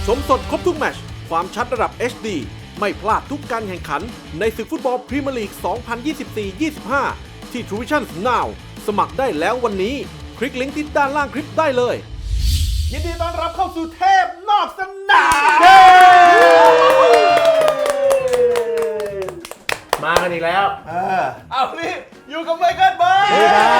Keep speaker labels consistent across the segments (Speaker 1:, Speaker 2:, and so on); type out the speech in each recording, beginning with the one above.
Speaker 1: ชมสดครบทุกแมตช์ความชัดระดับ HD ไม่พลาดทุกการแข่งขันในศึกฟุตบอลพรีเมียร์ลีก 2024-25 ที่ True Vision Now สมัครได้แล้ววันนี้ คลิกลิงก์ที่ด้านล่างคลิปได้เลย ยินดีต้อนรับเข้าสู่เทพนอกสนาม
Speaker 2: มากันอีกแล้ว
Speaker 1: เอานี่อยู่กับไมเคิลเบิร์ด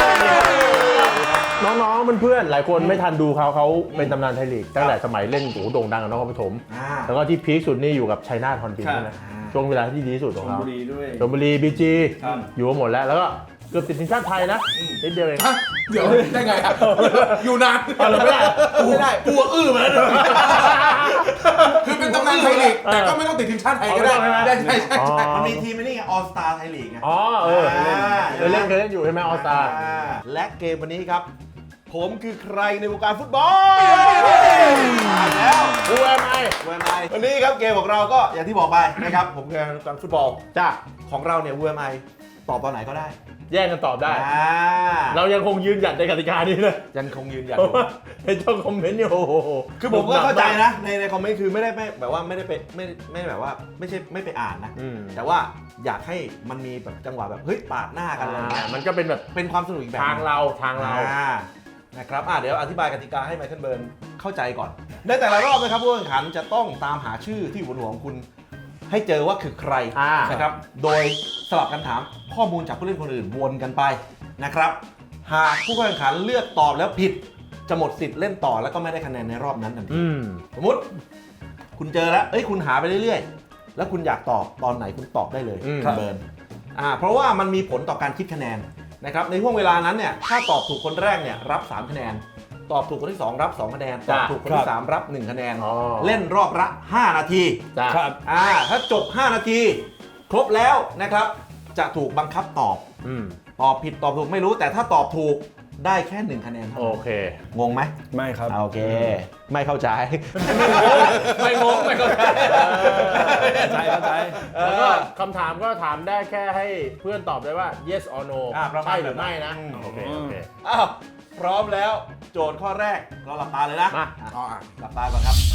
Speaker 2: น้องๆเพื่อนๆหลายคนไม่ทันดูเขาเป็นตำนานไทยลีกตั้งแต่สมัยเล่นโด่งดังกับนครปฐมแล้วก็ที่พีคสุดนี่อยู่กับชัยนาทฮอนบินนะช่วงเวลาที่ดีที่สุดของเขาชลบุรีบีจีอยู่หมดแล้วก็เกือบติดทีมชาติไทยนะนิดเดียวเอง
Speaker 3: เดี๋ยวได้ไงครับอยู่นาน
Speaker 2: เราไม่ได้
Speaker 3: ตัวอื้อมาแล้วคือเป็นตำนานไทยลีกแต่ก็ไม่ต้องติดทีมชาติไทยก็ได้ใช่
Speaker 1: มันมีทีมนี่ไงออลสตาร์ไทยลีกไง
Speaker 2: เคยเล่นอยู่ใช่ไหมออสตา
Speaker 1: และเกมวันนี้ครับผมคือใครในวงการฟุตบอลแล้ว
Speaker 2: Who am I
Speaker 1: วันนี้ครับเกมของเราก็อย่างที่บอกไปนะครับผมคือวงการฟุตบอลจ้าของเราเนี่ย Who am I ตอบตอนไหนก็ได้
Speaker 2: แย่งกันตอบได้เรายังคงยืนหยัดในกติกานี้นะ
Speaker 1: ยังคงยืนหยัด
Speaker 2: ในช่องคอมเมนต์อยู่
Speaker 1: คือผมก็เข้าใจนะในคอมเมนต์คือไม่ได้แบบว่าไม่ได้ไปไม่แบบว่าไม่ใช่ไม่ไปอ่านนะแต่ว่าอยากให้มันมีแบบจังหวะแบบเฮ้ยปาดหน้ากันอะไรเงี้ย
Speaker 2: มันก็เป็นแบบ
Speaker 1: เป็นความสนุกอีกแบบ
Speaker 2: ทางเรา
Speaker 1: นะครับเดี๋ยวอธิบายกติกาให้ไมเคิลเบิร์นเข้าใจก่อนในแต่ละรอบนะครับผู้แข่งขันจะต้องตามหาชื่อที่อยู่บนหัวของคุณให้เจอว่าคือใครนะครับโดยสลับกันถามข้อมูลจากผู้เล่นคนอื่นวนกันไปนะครับหากผู้แข่งขันเลือกตอบแล้วผิดจะหมดสิทธิ์เล่นต่อแล้วก็ไม่ได้คะแนนในรอบนั้นทันทีสมมติคุณเจอแล้วคุณหาไปเรื่อยๆแล้วคุณอยากตอบตอนไหนคุณตอบได้เลยเบิร์นเพราะว่ามันมีผลต่อการคิดคะแนนนะครับในช่วงเวลานั้นเนี่ยถ้าตอบถูกคนแรกเนี่ยรับ3คะแนนตอบถูกคนที่2รับ2คะแนนตอบถูกคนที่3รับ1คะแนนเล่นรอบละ5นาที
Speaker 2: ครับ
Speaker 1: ถ้าจบ5นาทีครบแล้วนะครับจะถูกบังคับตอบตอบผิดตอบถูกไม่รู้แต่ถ้าตอบถูกได้แค่1คะแนน
Speaker 2: โอเค
Speaker 1: งงไหม
Speaker 3: ไม่ครับ
Speaker 1: โอเคไม่เข้าใจ
Speaker 2: ไม่งงไม่เข้าใจ
Speaker 3: เข้าใจ
Speaker 2: แล้วก็คำถามก็ถามได้แค่ให้เพื่อนตอบได้ว่า yes or no ใช่หรือไม่นะโอเค
Speaker 1: พร้อมแล้วโจทย์ข้อแรกเราหลับตาเลยนะหลับตาก่อนครับ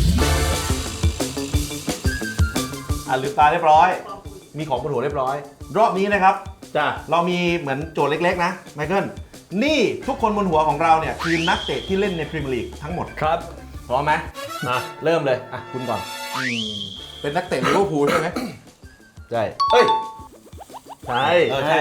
Speaker 1: ลืมตาเรียบร้อยมีของบนหัวเรียบร้อยรอบนี้นะครับเรามีเหมือนโจทย์เล็กๆนะไมเคิลนี่ทุกคนบนหัวของเราเนี่ยคือนักเตะที่เล่นในพรีเมียร์ลีกทั้งหมด
Speaker 3: ครับ
Speaker 1: พร้อมไหมเริ่มเลยคุณก่อน
Speaker 3: เป็นนักเตะลิเวอร์พูลใช่ไหม
Speaker 1: ใช่
Speaker 2: ใช่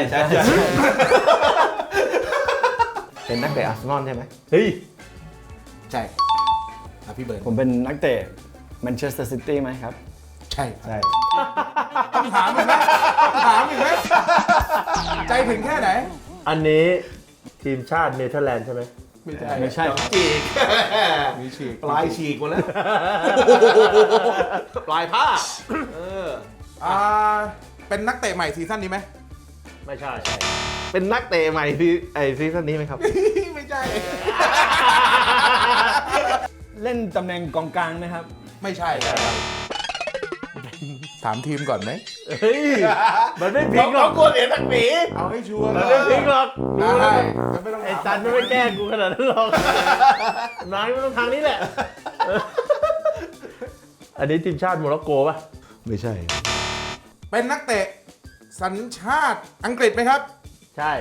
Speaker 1: เป็นนักเตะอาร์เซนอลใช่ไหม
Speaker 2: เฮ้ย
Speaker 3: ใช่พี่เบิร์ด
Speaker 4: ผมเป็นนักเตะแมนเชสเตอร์ซิตี้ไหมครับ
Speaker 3: ใช่ต้องถามอีกไหมใจถึงแค่ไหน
Speaker 2: อันนี้ทีมชาติเนเธอร์แลนด์ใช่ไหม
Speaker 4: ไม่ใช่
Speaker 1: ฉีก
Speaker 3: มีฉีก
Speaker 1: ปลายฉีกหมดแล้วปลายผ้า
Speaker 3: เป็นนักเตะใหม่ซีซั่นนี้ไหม
Speaker 2: ไม่ใช่
Speaker 1: เป็นนักเตะใหม่ที่ซีซั่นนี้ไหมครับ
Speaker 3: ไม่ใช่
Speaker 4: เล่นตำแหน่งกองกลางไหมครับ
Speaker 3: ไม่ใช่ถามทีมก่อนไหม
Speaker 2: เฮ้ยมันไม่พลิกหรอก
Speaker 1: กลัวเสียทักหนี
Speaker 3: เอาให้ชัวร์
Speaker 2: มันไม่พลิกหรอก
Speaker 3: ได้
Speaker 2: ไอ้จันไม่แกล้งกูขนาดนั้นหรอกนายมันต้องทางนี้แหละอันนี้ทีมชาติโมร็อกโกป่ะ
Speaker 1: ไม่ใช่
Speaker 3: เป็นนักเตะสัญชาติอังกฤษไหมครับ
Speaker 2: ใช่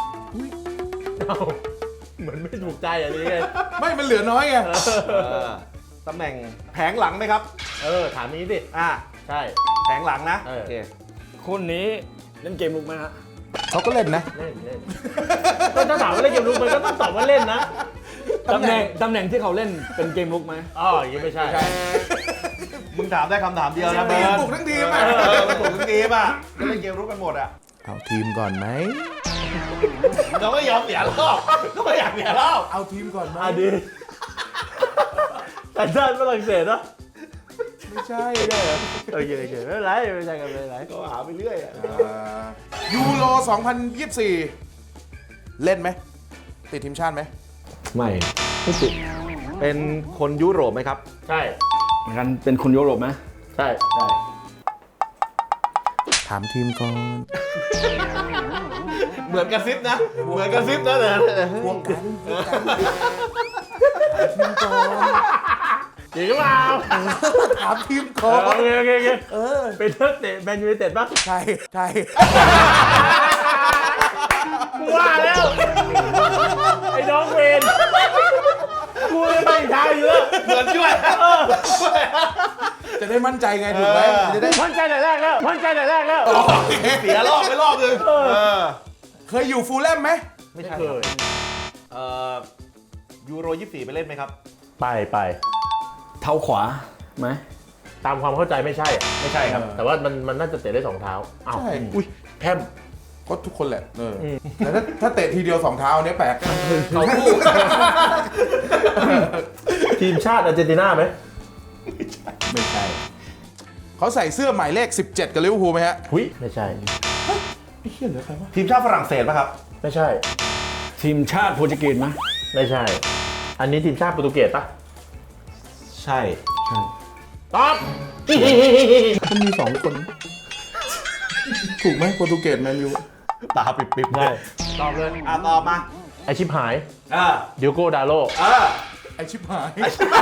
Speaker 2: เหมือนไม่ถูกใจอย่างนี้ไง
Speaker 3: ไม่มันเหลือน้อยไง
Speaker 1: ตำแหน่งแผงหลังไหมครับ
Speaker 2: ถามนี้สิใช่
Speaker 1: แผงหลังนะ
Speaker 2: โอเค
Speaker 4: คนนี้เล่นเกมลุกไหมฮะ
Speaker 3: เขาก็เล่นนะ
Speaker 2: เล่นก็ถ้าถามว่าเล่นเกมลุกมันก็ต้องตอบว่าเล่นนะ
Speaker 4: ตำแหน่งที่เขาเล่นเป็นเกมลุกไหม
Speaker 2: อย่างนี้ไม่ใช่
Speaker 1: มึงถามได้คำถามเดียวนะ
Speaker 3: เบิร์ดปลุกทั้งทีม
Speaker 1: ปลุกทั้งทีมก็เล่นเกมรุกกันหมด
Speaker 3: เอาทีมก่อนไหม
Speaker 1: เราไม่ยอมเสียรอบก็ไม่อยากเสียรอบ
Speaker 3: เอาทีมก่อนไหม
Speaker 2: ดีแต่ชาติฝรั่งเศสนะ
Speaker 3: ไม่ใช่
Speaker 2: โอเคไม่เป็นไรไม่ใช่กันไม่เป็นไร
Speaker 1: ก็หาไปเรื่อย
Speaker 3: ยูโร2024เล่นไหมติดทีมชาติไหม
Speaker 1: ไม่ติดเป็นคนยุโรปไหมครับ
Speaker 2: ใช่
Speaker 4: เหมือนกันเป็นคนยุโรปไหม
Speaker 2: ใช่
Speaker 3: ถามทีมก่อน
Speaker 1: เหมือนกระซิบนะ
Speaker 3: พวกกันทีมก่อน
Speaker 2: จริงหรือเปล่า
Speaker 3: ถามทีมโค
Speaker 2: โอเคโอเคโอเคเป็นนักเตะแมนยูไนเต็ดปะ
Speaker 3: ใช่ใช่
Speaker 2: กูว่าแล้วไอ้น้องเวนกูจะไปอีกทางอยู่แล้ว
Speaker 1: เหมือนช่วย
Speaker 3: จะได้มั่นใจไงถูกไหมจะได้
Speaker 2: มั่นใจแต่แรกแล้วมั่นใจแต่แรกแล้ว
Speaker 1: เสียรอบไปรอบนึง
Speaker 3: เคยอยู่ฟูลแลมไหม
Speaker 1: ไม่ใช่
Speaker 2: เคย
Speaker 1: ยูโร24ไปเล่นไหมครับ
Speaker 2: ไป
Speaker 4: เท้าขวาไหม
Speaker 2: ตามความเข้าใจไม่ใช่อะ
Speaker 1: ไม่ใช่ครับ
Speaker 2: แต่ว่ามันน่าจะเตะได้สองเท้าอ้าว
Speaker 3: ใช่
Speaker 2: อุ้ยแพม
Speaker 3: ก็ทุกคนแหละแต่ถ้าเตะทีเดียว2 เท้าเนี้ยแปลก
Speaker 1: เขาคู่
Speaker 2: ทีมชาติอาร์เจนตินาไหม
Speaker 3: ไม่ใช่เขาใส่เสื้อหมายเลข 17 กับลิเวอร์พูลไหมฮะ
Speaker 2: หุ้ยไม่ใช่
Speaker 3: ไม่เขียนเหลือใครวะ
Speaker 1: ทีมชาติฝรั่งเศสป่ะครับ
Speaker 2: ไม่ใช่
Speaker 4: ทีมชาติโปรตุเกสไหม
Speaker 2: ไม่ใช่ อันนี้ทีมชาติโปรตุเกสปะ
Speaker 1: ใช่
Speaker 2: ตอบ
Speaker 3: มันมี2 คน ถูกไหมโปรตุเกสแมนยู
Speaker 1: ตาปิบๆ
Speaker 2: ได้ตอบเลย
Speaker 1: ตอบมา
Speaker 2: ไอชิบหาย
Speaker 1: อ่า
Speaker 2: ดิโก้ดาโล
Speaker 3: ไอชิบหาย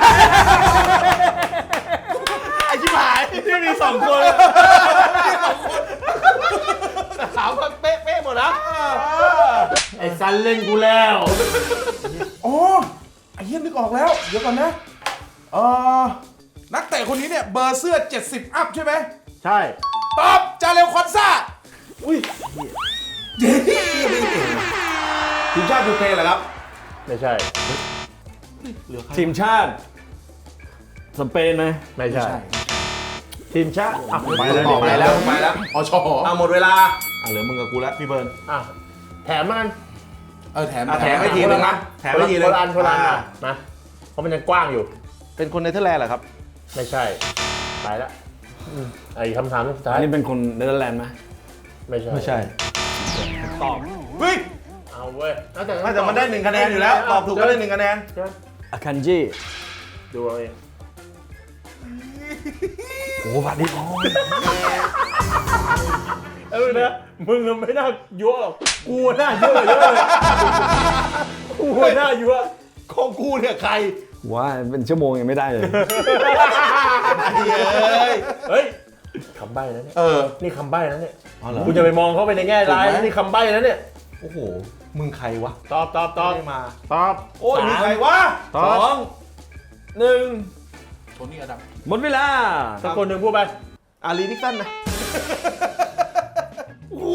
Speaker 1: ไอชิบหายที่มี2 คนถามว่าเป๊ะๆหมดนะ
Speaker 2: ไอซันเล่นกูแล้ว
Speaker 3: อ๋อไอ้เหี้ยนึกออกแล้ว เดี๋ยวก่อนนะนักเตะคนนี้เนี่ยเบอร์เสื้อ 70 อัพใช่ไหม
Speaker 2: ใช่
Speaker 3: ตอบจาเรลคอนซ่า
Speaker 1: ทีมชาติยูเครนเหรอครับ
Speaker 2: ไม่ใช่
Speaker 4: ทีมชาติสเปนไหม
Speaker 2: ไม่ใช่ ทีมชาติอ่ะ
Speaker 1: ไปแล้ว
Speaker 3: อช
Speaker 1: หมดเวลาเหลือมึงกับกูแล้วพี่เบิร์น
Speaker 2: อ่ะแถมมัน
Speaker 3: แถม
Speaker 1: แถมไปทีนึงนะแถมไปทีนึง
Speaker 2: คนละอันนะเพราะมันยังกว้างอยู่
Speaker 1: เป็นคนเนเธอร์แลนด์เหรอครับ
Speaker 2: ไม่ใช่ตายละไอ้คำถามสุดท้าย
Speaker 4: อันนี้เป็นคนเนเธอร์แลนด์ไหม
Speaker 2: ไม่ใช่
Speaker 1: ไม่ใช่
Speaker 4: ตอบ
Speaker 1: เฮ้ย
Speaker 2: เอาเว้ยแต่
Speaker 1: แต่มันได้1 คะแนนอยู่แล้ว ตอบถูกก็ได้1 คะแนน
Speaker 4: อาคันจิ
Speaker 2: ดูเอาเอง
Speaker 4: โอ้บัดดี้
Speaker 2: นะมึงไม่น่ายั่วหรอกกูน่ายั่วเยอะเลยกูน่ายั่ว
Speaker 1: ของกูเนี่ยใคร
Speaker 4: ว่าเป็นชั่วโมงยังไม่ได้เลย
Speaker 2: เฮ้ยคำใบ้นะเนี่ยนี่คำใบ้นะเนี่ย
Speaker 1: อ๋อเหรอ
Speaker 2: คุณจะไปมองเขาไปในแง่ร้ายนี่คำใบ้นะเนี่ย
Speaker 1: โอ้โห มึงใครวะ
Speaker 2: ตอบ
Speaker 1: ไม่ได้มา
Speaker 2: ตอบ
Speaker 1: โอ้ยมีใครวะ
Speaker 2: ตอบ
Speaker 4: 2 1
Speaker 3: โทนี่อดัม
Speaker 4: หมดเวลา
Speaker 2: สักคนหนึ่งพูดไป
Speaker 1: อารีนิกสันนะโอ้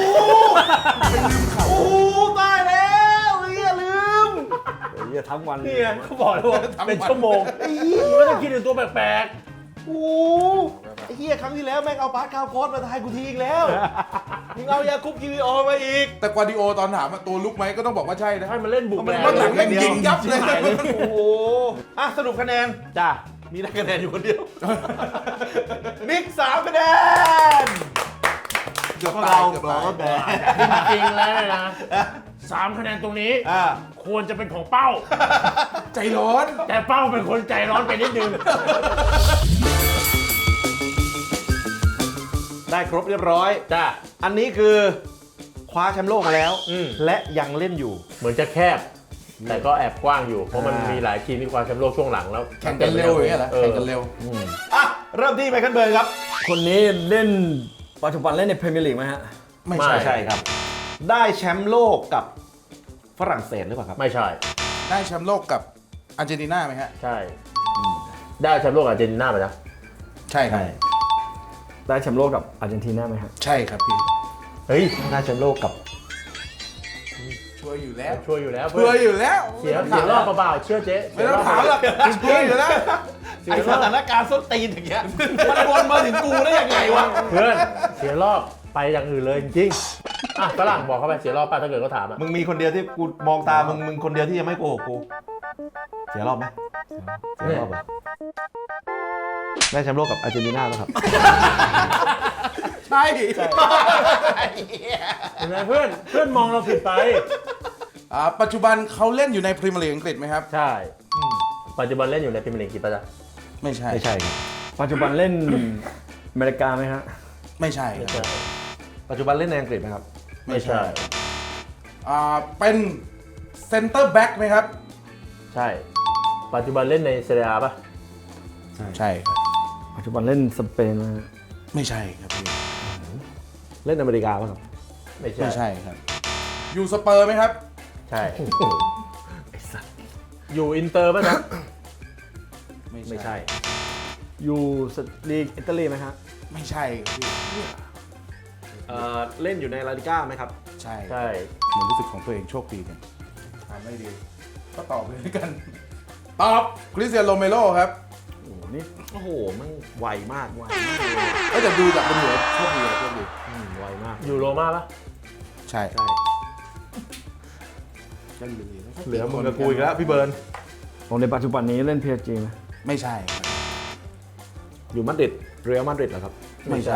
Speaker 1: โหตายแล้วลืม
Speaker 4: เหี้ยทั้งวันเลย
Speaker 2: นี่ไงเขาบอกเลยว่าเป็นชั่วโมงมึงก็ต้องคิดถึงตัวแปลก
Speaker 1: โอ้ไอ้เหี้ยครั้งที่แล้วแม่งเอาปาร์ตคาร์โพสมาทายกูทีอีกแล้ว มึงเอายาคุปกิริโอมาอีก
Speaker 3: แต่กวาร์ดิโอตอนถามว่าตัวลุกไหมก็ต้องบอกว่าใช่นะ
Speaker 2: ๆให้มันเล่นบุกแรง
Speaker 3: มันหลังแม่งยิงยับเลย
Speaker 1: โอ้โหอ่ะสรุปคะแนน
Speaker 2: จ้า
Speaker 1: มีได้คะแนนอยู่คนเดียว มิก3 คะแนน
Speaker 3: เกือบ
Speaker 1: พวก
Speaker 3: ตา
Speaker 1: เรา
Speaker 3: ยเกือบตาย
Speaker 1: เราก็แบ
Speaker 2: จริงๆแล้วเนี่ยนะ3 คะแนนตรงนี้ ควรจะเป็นของเป้า
Speaker 3: ใจร้อน
Speaker 2: แต่เป้าเป็นคนใจร้อนไปนิดนึง
Speaker 1: ได้ครบเรียบร้อย
Speaker 2: จ้า
Speaker 1: อันนี้คือคว้าแชมป์โลกมาแล้ว
Speaker 2: อืม
Speaker 1: และยังเล่นอยู่
Speaker 2: เหมือนจะแคบ แต่ก็แอบกว้างอยู่ เพราะมันมีหลายทีมที่คว้าแชมป์โลกช่วงหลังแล้ว
Speaker 3: แข่งกันเร็วอย่างเงี้ยเหรอแข่งกันเร็ว
Speaker 1: อ่ะ เริ่มที่ไมเคิลเบิร์นครับ
Speaker 4: คนนี้เล่นปัจจุบันเล่นในพรีเมียร์ลีกไหมฮะ
Speaker 3: ไม่
Speaker 2: ไม่
Speaker 3: ใช่
Speaker 1: ใช่ครับ ได้แชมป์โลกกับฝรั่งเศสหรือเปล่าครับ
Speaker 2: ไม่ใช่
Speaker 3: ได้แชมป์โลกกับอาร์เจนตินาไหมฮะ
Speaker 2: ใช่ ได้แชมป์โลกอาร์เจนตินาไปนะ
Speaker 3: ใช่ครับ
Speaker 4: ได้แชมป์โลกกับอาร์เจนตินาไหมฮะ
Speaker 3: ใช่ครับพี่
Speaker 2: เฮ้ย
Speaker 1: ได้แชมป์โลกกับ
Speaker 3: ช่วยอยู่แล้ว
Speaker 2: ช่วยอยู่แล้ว
Speaker 3: ช่วยอยู่แล้ว
Speaker 2: เสียรอบเปล่าๆเชื่อเจ๊
Speaker 3: ไม่ต้องถามหรอกช่วยอยู่แล้ว
Speaker 1: ไอสถานการณ์ส้นตีนอย่างเงี้ย มันวนมาถึงกูได้ยังไงวะ
Speaker 2: เพื่อนเสียรอบไปอย่างอื่นเลยจริงๆอ่ะฝรั่งบอกเขาไปเสียรอบป่ะถ้าเกิดเขาถามอ่ะ
Speaker 1: มึงมีคนเดียวที่กูมองตา มึงคนเดียวที่ยังไม่โกหกกู เสียรอบไหมเสียรอบเหรอได้แชมป์โลกกับอาร์เจนตินาแล้วครับ
Speaker 3: ใช่
Speaker 2: เห็นไหมเพื่อนมองเราผิดไป
Speaker 3: ปัจจุบันเขาเล่นอยู่ในพรีเมียร์ลีกอังกฤษไหมครับ
Speaker 2: ใช่ปัจจุบันเล่นอยู่ในพรีเมียร์ลีกกี่ปีจ๊ะ
Speaker 3: ไม่ใช่
Speaker 1: ไม่ใช่ครับ
Speaker 4: ปัจจุบันเล่นอเมริกาไหมฮะ
Speaker 3: ไม่ใช่
Speaker 2: ไม่
Speaker 3: ครั
Speaker 2: ใช่
Speaker 3: บ
Speaker 1: ปัจจุบันเล่นในอังกฤษไหมครับ
Speaker 2: ไม่ใช่
Speaker 3: เป็นเซนเตอร์แบ็กไหมครับ
Speaker 2: ใช่ ปัจจุบันเล่นในเซเรียป่ะ
Speaker 3: ใช่ครับ
Speaker 4: ปัจจุบันเล่นสเปนนะฮะ
Speaker 3: ไม่ใช่ครับพี่
Speaker 1: เล่นอเมริกาป่ะครับ
Speaker 2: ไม่
Speaker 3: ไม่
Speaker 2: ใช่
Speaker 3: ใช่ครับ อยู่สเปอร์ไหมครับ
Speaker 2: ใช่อยู่อินเตอร์ป่ะนะ
Speaker 1: ไม่ใช่
Speaker 4: อยู่ลีกอิตาลีไหมฮะ
Speaker 3: ไม่ใช่ครับพี่
Speaker 1: เล่นอยู่ในลาลิก้าไหมครับ
Speaker 3: ใช่
Speaker 2: ใช่
Speaker 3: เหมือนรู้สึกของตัวเองโชคดีกันทำไม่ดี ก็ตอบเลยแล้วกัน ตอบคริสเตียโนโรเมโรครับ
Speaker 4: โอ้โหนี่
Speaker 1: โอ้โห มันไวมาก
Speaker 3: เอ้ยแต่ดูจากบนหัวโชคดีเลยโชคดี
Speaker 1: ไวมาก
Speaker 2: อยู่โรม่าป่ะ
Speaker 3: ใช่
Speaker 1: ใช่เหลือมึงกับกูอีกแล้วพี่เบิร์น
Speaker 4: ผมในปัจจุบันนี้เล่น PSG ไหม
Speaker 3: ไม่ใช่ครับ
Speaker 1: อยู่มาดริดเรอัลมาดริดเหรอครับ
Speaker 3: ไม่ใช่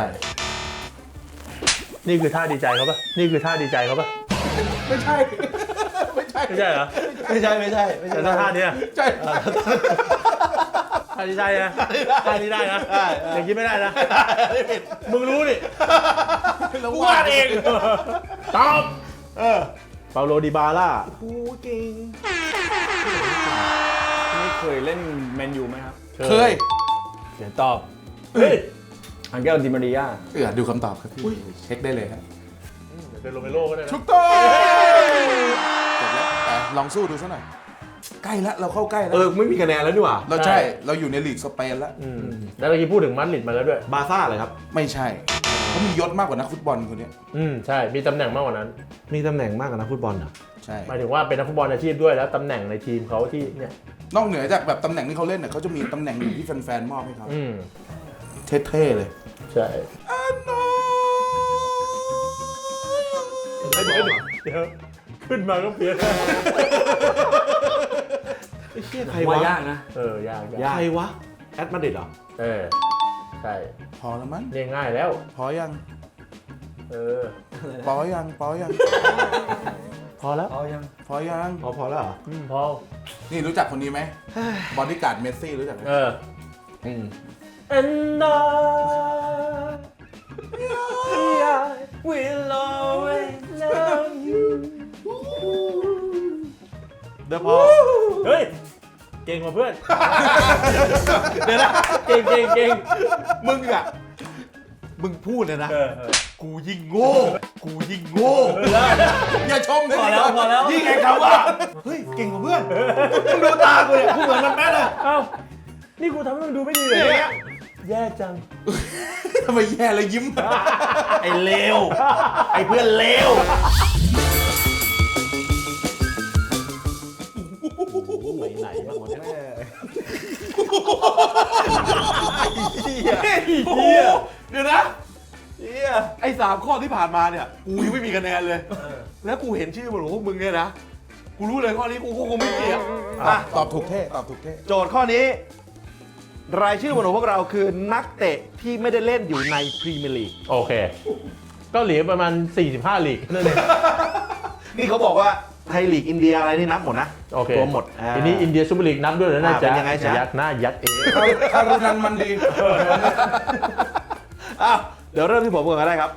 Speaker 2: นี่คือท่าดีใจเขาป่ะนี่คือท่าดีใจเขาป่ะ
Speaker 3: ไม่ใช่ ไม่ใช่
Speaker 2: ไม่ใช่เหรอ
Speaker 1: ไม่ใช่ไม่ใช่ไม่
Speaker 2: แต่
Speaker 1: ใช่
Speaker 2: ท่าเนี้ย
Speaker 3: ใช่
Speaker 2: ท่าดีใจนะท่านี้ได้นะอย่างนี้ไม่ได้นะมึงรู้ดิ
Speaker 3: กูวาดเอง
Speaker 2: ตอบ
Speaker 1: เปาโลดิบาล่าโอ้เก่ง
Speaker 4: นี่เคยเล่นแมนยูไหมครับ
Speaker 3: เคย
Speaker 4: เดี๋ยวตอบ
Speaker 2: เฮ้ย
Speaker 4: อังเกลดิมาริยา
Speaker 3: ดูคำตอบครับพี่เช็คได้เลยครับ
Speaker 2: เป็นโรเมโรก็ได้นะ
Speaker 3: ถูกต้องจบแล้วแต่ลองสู้ดูซะหน่อย ใกล้ละเราเข้าใกล้แล้ว
Speaker 1: ไม่มีคะแนนแล้วนี่หว่า
Speaker 3: เราใช่ เราอยู่ในลีกสเปนแล้ว
Speaker 2: แล้วเมื่อกี้พูดถึงมาดริดมาแล้วด้วย
Speaker 1: บาซ่าเลยครับ
Speaker 3: ไม่ใช่เขามียศมากกว่านักฟุตบอลคนเนี้ย
Speaker 2: ใช่ มีตำแหน่งมากกว่านั้น
Speaker 1: มีตำแหน่งมากกว่านักฟุตบอลเหรอ
Speaker 3: ใช่
Speaker 2: หมายถึงว่าเป็นนักฟุตบอลอาชีพด้วยแล้วตำแหน่งในทีมเขาที่เนี่ย
Speaker 3: นอกเหนือจากแบบตำแหน่งที่เขาเล่นเนี่ยเขาจะมีตำแหน่งอยู่ที่แฟนๆมอบให้เขา เท่ๆเลย
Speaker 2: ใช่ เดี๋ยวขึ้นมาก็เปลี่ยน
Speaker 1: ไอ้เชี่ยใคร
Speaker 4: ว่าว
Speaker 1: ะ
Speaker 4: ยากนะ
Speaker 2: ยาก
Speaker 1: ใครวะแอดมาดริดเหรอ
Speaker 2: ใช่
Speaker 3: พอแล้วมั้ง
Speaker 2: เรียงง่ายแล้ว
Speaker 3: พอยัง
Speaker 2: พ
Speaker 3: พอยัง
Speaker 2: อแล้ว
Speaker 3: พอยัง
Speaker 1: พอแล้วเหรอ
Speaker 2: พอ
Speaker 3: นี่รู้จักคนนี้ไหมบอดี้การ์ดเมสซี่รู้จักไหม
Speaker 2: And I will always love you
Speaker 1: เดี๋ยวพอ
Speaker 2: เฮ้ย เก่งกว่าเพื่อน เดี๋ยวนะ เก่ง
Speaker 1: มึงอะมึงพูดเลยนะ กูยิ่งโง่
Speaker 3: อย่าชมเลย
Speaker 4: พอแล้ว
Speaker 1: ยิ่งไอ้คำว่า เฮ้ย เก่งกว่าเพื่อน มึงดูตากูเนี่ยกูเหมือนมันแม่เลย
Speaker 2: เอ้า นี่กูทำให้มึงดูไม่ดีเลยเนี่ยแย่จัง
Speaker 3: ทำไมแย่เลยยิ้ม
Speaker 1: ไอ้เลว ไอ้เพื่อนเลว ไหนบ้างวะเนี่ยเดี๋ยวนะไอ้3 ข้อที่ผ่านมาเนี่ย กูยังไม่มีคะแนนเลย แล้วกูเห็นชื่อบนหัวพวกมึงเนี่ยนะ กูรู้เลยข้อนี้กูคงไม่เกี่ยวอ่ะ
Speaker 3: ตอบถูกเท่ตอบถูกเท่
Speaker 1: โจทย์ข้อนี้ รายชื่อบนหัวพวกเราคือนักเตะที่ไม่ได้เล่นอยู่ในพรีเมียร์ลีก
Speaker 2: โอเค ก็เหลือประมาณ 45 ลีกนั่นเอง
Speaker 1: นี่เขาบอกว่าไทยลีกอินเดียอะไรนี่นับหมดนะ
Speaker 2: โอเค
Speaker 1: รวมหมด
Speaker 2: ทีนี้อินเดียซูเปอร์ลีกนับด้วยเหรอน่าจะ
Speaker 1: เป็นยังไงจ๊ะ
Speaker 2: ยัดหน้ายัดเอง
Speaker 3: คารุนันมันดี
Speaker 1: อ้าวเดี๋ยวเริ่มที่ผมก่อนก็ได้ครับ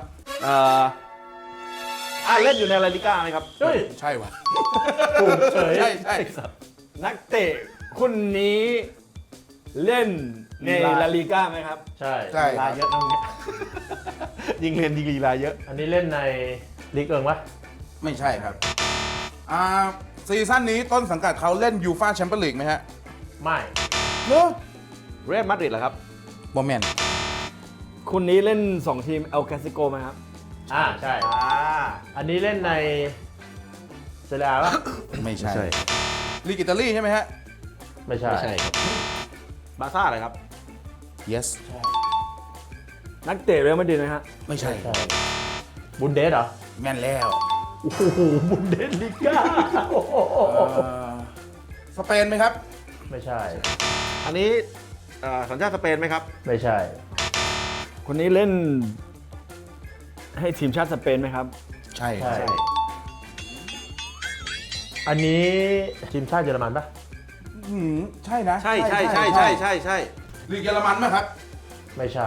Speaker 1: เล่นอยู่ในลาลิก้าไหมครับ
Speaker 2: เฮ้ย
Speaker 3: ใช่วะ
Speaker 2: ถูกเฉย
Speaker 3: ใช่
Speaker 4: นักเตะคนนี้เล่นในลาลิก้าไหมครับ
Speaker 2: ใช่
Speaker 3: ใช่
Speaker 1: ลีลาเยอะนะเนี่ยยิงเรียนยิงลีลาเยอะ
Speaker 2: อันนี้เล่นในลีกเอิงปะ
Speaker 3: ไม่ใช่ครับซีซั่นนี้ต้นสังกัดเขาเล่นยูฟ่าแชมเปี้ยนลีกไหมฮะ
Speaker 2: ไม่
Speaker 3: เนอะ
Speaker 1: เรอัลมาดริดเหรอครับ
Speaker 3: โมเมนต์
Speaker 4: คนนี้เล่น 2 ทีมเอลคลาสิโกไหมครับ
Speaker 2: ใช่ อันนี้เล่นในเซเรียปะ
Speaker 3: ไม่ใช่
Speaker 1: ไม่ใช่
Speaker 3: ลีกอิตาลีใช่ไหมฮะ
Speaker 2: ไม่ใช่
Speaker 1: ไม่ใช่ครับบาซ่าอะไรครับ
Speaker 3: yes
Speaker 4: นักเตะเรอัลมาดริดนะฮะ
Speaker 3: ไม่ใช่
Speaker 2: ใช่ บุนเดสเหรอ
Speaker 3: แม่นแล้ว
Speaker 2: โอ้โห บุนเดสลิก้าโอ้โห
Speaker 3: สเปนไหมครับ
Speaker 2: ไม่ใช่
Speaker 1: อันนี้สัญชาติสเปนไหมครับ
Speaker 2: ไม่ใช่
Speaker 4: คนนี้เล่นให้ทีมชาติสเปนไหมครับ
Speaker 3: ใช่
Speaker 2: ใช่ อันนี้ทีมชาติเยอรมันปะ
Speaker 3: ใช่นะ
Speaker 1: ใช่ลีกเยอรมันไหมครับ
Speaker 2: ไม่ใช่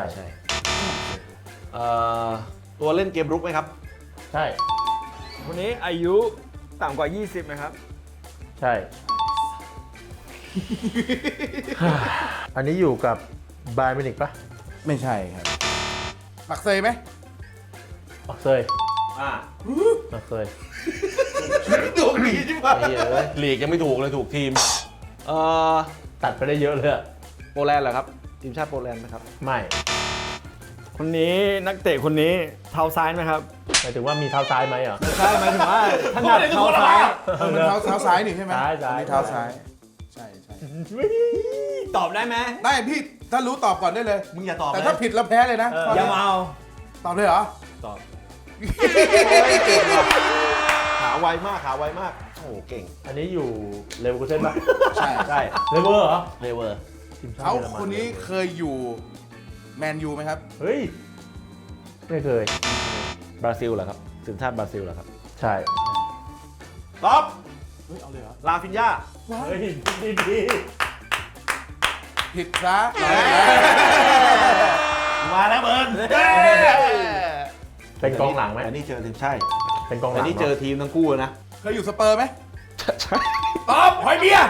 Speaker 1: ตัวเล่นเกมรุกไหมครับ
Speaker 2: ใช่
Speaker 4: คนนี้อายุต่ำกว่า 20ไหมครับ
Speaker 2: ใช่อันนี้อยู่กับไบาร์มิวนิกปะ
Speaker 3: ไม่ใช่ครับปักเซยไหม
Speaker 2: ปักเซย
Speaker 1: อ่า
Speaker 2: ปักเซย
Speaker 1: ถูกดีใช่ไหม
Speaker 2: ไอ้เหี้ยเอ้ย
Speaker 1: ลีกยังไม่ถูกเลยถูกทีม
Speaker 2: ตัดไปได้เยอะเลยอะ
Speaker 1: โปแลนด์เหรอครับ ทีมชาติโปแลนด์นะครับ
Speaker 2: ไม่
Speaker 4: คนนี้นักเตะคนนี้เท้าซ้ายไหมครับ
Speaker 2: หมายถึงว่ามีเท้าซ้ายไหมอ่ะ
Speaker 4: ใช่หมายถึงว่าถนัดเท้าซ้าย
Speaker 3: มันเท้าซ้ายนี่ใช่ไหม
Speaker 2: ซ้ายซ้าย
Speaker 3: อันนี้เท้าซ้าย ใช่ใช่
Speaker 4: ตอบได้ไหม
Speaker 3: ได้พี่ถ้ารู้ตอบก่อนได้เลย
Speaker 1: มึงอย่าตอบ
Speaker 3: แต่
Speaker 1: นะ
Speaker 3: ถ้าผิดแล้วแพ้เลยนะ
Speaker 4: อย่ามาเอา
Speaker 3: ตอบเลยเหรอ
Speaker 4: ตอบ
Speaker 1: ขาไวมากขาไวมาก โอ้โหเก่ง
Speaker 2: อันนี้อยู่เลเวอร์คูเซ่นปะ
Speaker 3: ใช่
Speaker 1: ใช่
Speaker 2: เลเวอร์เหรอ
Speaker 1: เลเวอร์
Speaker 2: ทีมชาติ
Speaker 3: เขา
Speaker 2: ยอรมั
Speaker 3: คนนี้เคยอยู่แมนยูไหมครับ
Speaker 2: เฮ้ย ไม่เคย
Speaker 1: บราซิลเหรอครับทีมชาติบราซิลเหรอครับ
Speaker 2: ใช่
Speaker 1: ตอบ
Speaker 3: เฮ้ยเอาเลยเหรอ
Speaker 1: ลาฟินยา
Speaker 2: เฮ้ยดี
Speaker 3: ผิดซะ
Speaker 1: มาแล้วเบิร์น
Speaker 2: เป็นกองหลังไหม
Speaker 1: อันนี้เจอทีมใช่
Speaker 2: เป็นกองหลั
Speaker 1: อั
Speaker 2: ง
Speaker 1: นนี้เจอทีมทั้งคู่เลยนะ
Speaker 3: เคยอยู่สเปอร์ไหม
Speaker 1: ใช่
Speaker 3: ตอบหอยเบียร์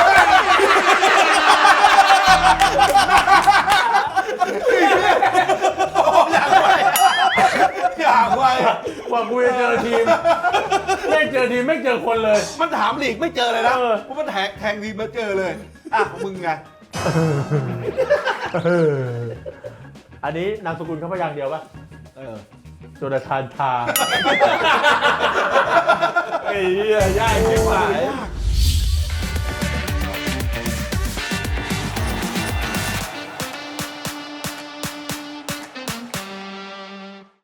Speaker 1: อยากไว
Speaker 2: ว่ากูจะเจอทีม ไม่เจอทีมไม่เจอคนเลย
Speaker 1: มันถามลีกไม่เจอเลยนะ
Speaker 2: เออ
Speaker 1: เพราะมันแทงทีมมาเจอเลย อ่ะมึงไง
Speaker 2: อันนี้นามสกุลเขาพยางค์เดียวปะ
Speaker 1: เออ
Speaker 2: โจนาธานทา
Speaker 1: ไอ้เหี้ยยากชิบหาย
Speaker 3: ยาก